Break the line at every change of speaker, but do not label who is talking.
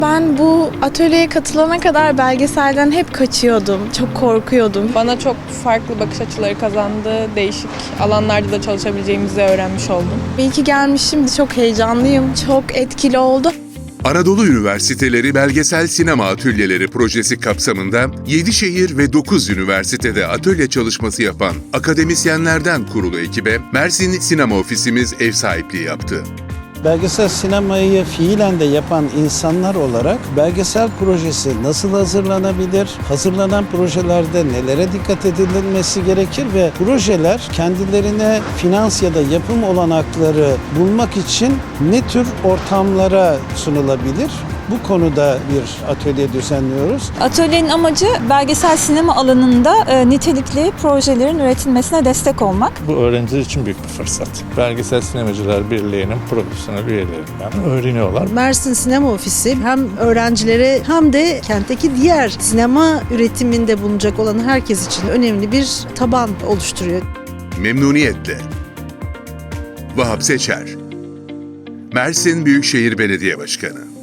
Ben bu atölyeye katılana kadar belgeselden hep kaçıyordum. Çok korkuyordum.
Bana çok farklı bakış açıları kazandı. Değişik alanlarda da çalışabileceğimizi öğrenmiş oldum.
İyi ki gelmişim. Çok heyecanlıyım. Çok etkili oldu.
Anadolu Üniversiteleri Belgesel Sinema Atölyeleri projesi kapsamında 7 şehir ve 9 üniversitede atölye çalışması yapan akademisyenlerden kurulu ekibe Mersin Sinema Ofisimiz ev sahipliği yaptı.
Belgesel sinemayı fiilen de yapan insanlar olarak belgesel projesi nasıl hazırlanabilir? Hazırlanan projelerde nelere dikkat edilmesi gerekir ve projeler kendilerine finans ya da yapım olanakları bulmak için ne tür ortamlara sunulabilir? Bu konuda bir atölye düzenliyoruz.
Atölyenin amacı belgesel sinema alanında nitelikli projelerin üretilmesine destek olmak.
Bu öğrenciler için büyük bir fırsat. Belgesel Sinemacılar Birliği'nin profesyonel üyelerinden öğreniyorlar.
Mersin Sinema Ofisi hem öğrencilere hem de kentteki diğer sinema üretiminde bulunacak olan herkes için önemli bir taban oluşturuyor.
Memnuniyetle. Vahap Seçer, Mersin Büyükşehir Belediye Başkanı.